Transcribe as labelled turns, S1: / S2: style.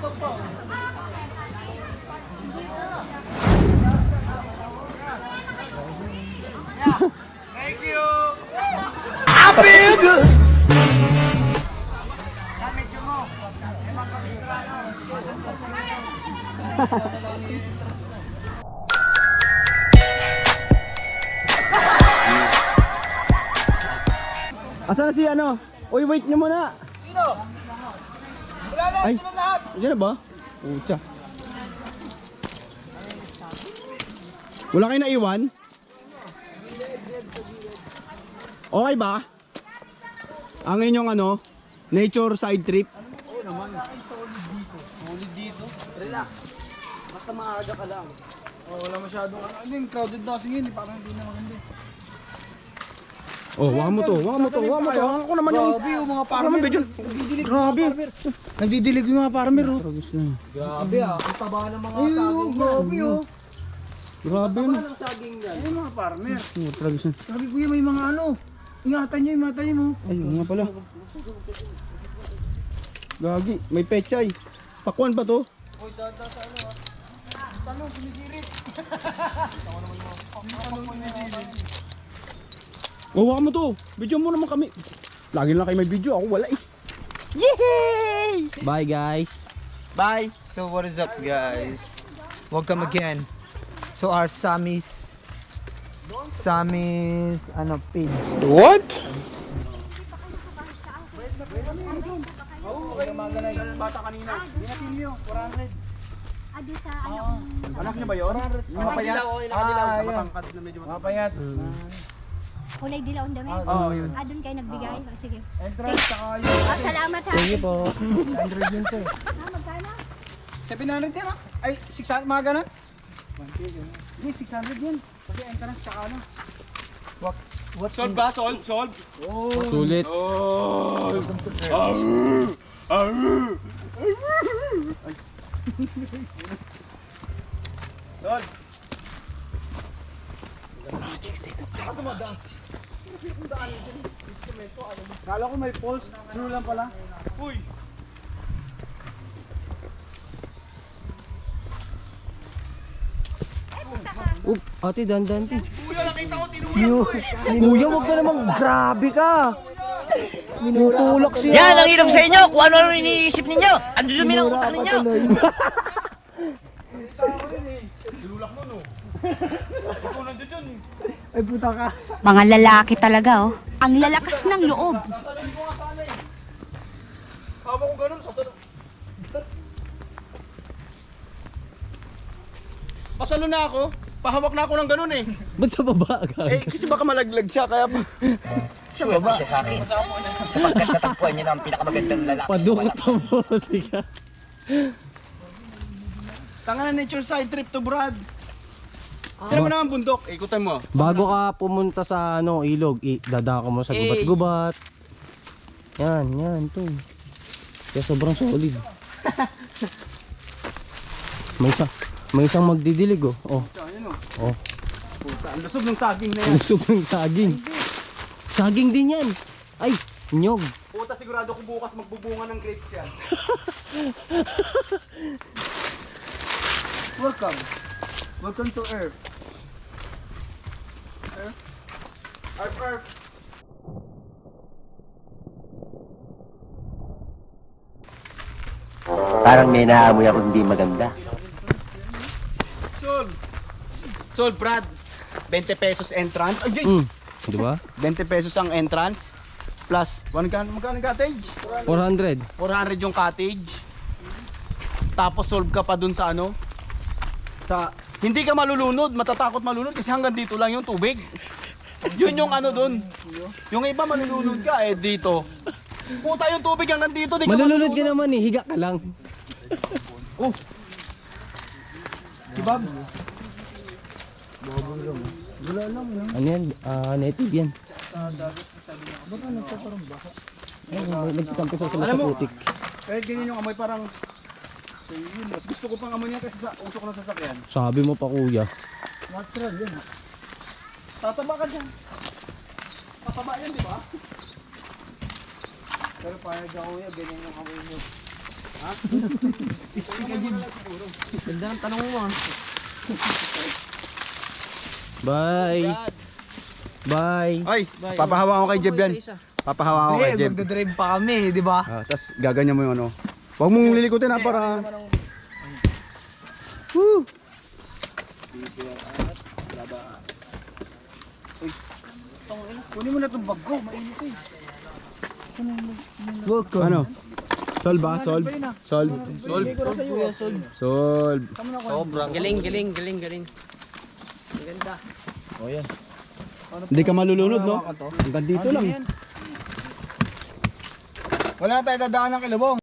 S1: Thank you. I feel good.
S2: Asa na si ano? Uy, wait nyo muna.
S1: Sino? Wala na,
S2: Ay,
S1: sino lahat?
S2: yan na ba? Pucha. Wala kayo naiwan? Okay ba? Ang inyong ano, nature side trip?
S1: Oo naman. Solid dito. Relax. Basta maaga ka lang. Oh, wala masyadong ano, crowded na kasi ngayon, parang hindi na maganda.
S2: Oh, waka mo to, waka mo to, waka mo to. Ako naman yung...
S1: Grabe yung mga
S2: Ako naman,
S1: farmer.
S2: Bidyon.
S1: Nagdidilig
S2: Grabe.
S1: yung mga farmer. Nagdidilig yung mga farmer, oh.
S3: Grabe ah, ang taba ng mga
S1: Ayun,
S3: saging
S1: oh,
S3: yan.
S1: grabe, oh.
S2: Grabe
S3: Taba
S2: yun.
S3: ng saging yan.
S1: Ayun, mga farmer.
S2: Oh, tragos na.
S1: Sabi kuya, may mga ano. Ingatan nyo mo.
S2: Ay, nga pala. Gagi, may pechay. Pakwan pa to.
S1: Uy, dada sa ano, ah. Tanong, sumisirit.
S2: Oh, waka mo to. Video mo naman kami. Lagi lang kayo may video. Ako wala eh.
S1: Yay!
S2: Bye guys.
S1: Bye. So what is up, guys? Welcome again. So our Sammy's ano page.
S2: What?
S1: Oo, kayo magana yung bata kanina. Binatin niyo, 400.
S4: Adi sa ano?
S2: Anak niya ba yun?
S1: Yung mapayat.
S2: Matangkad na medyo
S1: Mapayat.
S4: Kulay dilaw ang damit.
S2: Oo, yun.
S4: Doon kayo nagbigay. Sige.
S1: Entrance, saka yung
S4: Salamat ha.
S2: Sige po.
S1: 100 yun to.
S4: Magkano?
S1: 700 yan, ah. Ay, 600, mga ganun. Hindi, 600 yun. Kasi entrance, saka ano. What?
S2: Solve ba? Solve? Solve?
S1: Oh.
S2: Sulit. Solve.
S1: Kala ko may pulse. True lang pala.
S2: Uy!
S3: Ate, dandan ti.
S2: Kuya, nakita ko tinulak ko eh.
S3: Kuya, wag ka namang grabe ka. Minutulak siya.
S5: Yan ang hirap sa inyo kung ano iniisip ninyo. Ang dumi ng utak ninyo.
S1: Ay, puta ka.
S4: Mga lalaki talaga oh. Ang lalakas ng loob.
S2: Hawak ko ganun, sasalun. Pasalo na ako. Pahawak na ako ng ganun eh.
S3: Ba't sa baba ka?
S2: Eh, kasi baka malaglag siya, kaya pa.
S5: Siya sa akin. Sapagkat katagpuan niyo ng pinakamagandang lalaki.
S3: Padukot ang bote ka.
S2: Tanga na nature side trip to, Brad. Tira mo naman bundok, ikutan mo.
S3: Bago ka pumunta sa ano, ilog, dadako mo sa gubat-gubat. Yan, to. Kaya sobrang solid. May isang magdidilig oh. Oh. Oh.
S2: Puta, ang lusog ng saging na yan.
S3: Usog ng saging. Saging din yan. Ay, nyog.
S2: Puta, sigurado ko bukas magbubunga ng grapes yan.
S1: Welcome. Welcome to Earth.
S2: Arf.
S5: Parang may naamoy ako hindi maganda.
S2: Sold, Brad. 20 pesos entrance. Ay,
S3: Di ba?
S2: 20 pesos ang entrance. Plus, magkano cottage?
S3: 400.
S2: 400 yung cottage. Tapos solve ka pa dun sa ano? Sa hindi ka malulunod, matatakot malunod kasi hanggang dito lang yung tubig. Yun yung ano dun. Yung iba malulunod ka eh dito. Puta yung tubig hanggang dito, di ka
S3: Malulunod ka naman eh, higa ka lang.
S2: Oh. Si Babs.
S3: Ano yan? Native yan. Nagkitampi sila
S2: Alam
S3: sa
S2: mo,
S3: putik.
S2: kahit ganyan yung amoy parang yun, mas gusto ko pang amoy niya kasi sa usok ng sasakyan.
S3: Sabi mo pa kuya.
S1: Natural yun.
S2: Tataba ka dyan. Tataba yan, di ba?
S1: Pero payag ako yan, ganyan yung kamay mo.
S3: Ganda ng tanong mo ah. Bye. Bye.
S2: Ay, papahawa ko kay Jeb yan. Papahawa ko kay Jeb.
S1: Magdadrive pa kami, di ba?
S2: Tapos gaganyan mo yung ano. Huwag mong lilikutin ha para... Woo!
S1: Kunin mo na itong bag ko, mainit eh.
S2: Ano? Solve ba? Solve? Solve? Solve.
S3: Sobrang galing.
S2: Hindi ka malulunod, no? Hanggang dito lang.
S1: Wala na tayo dadaan ng kilabong.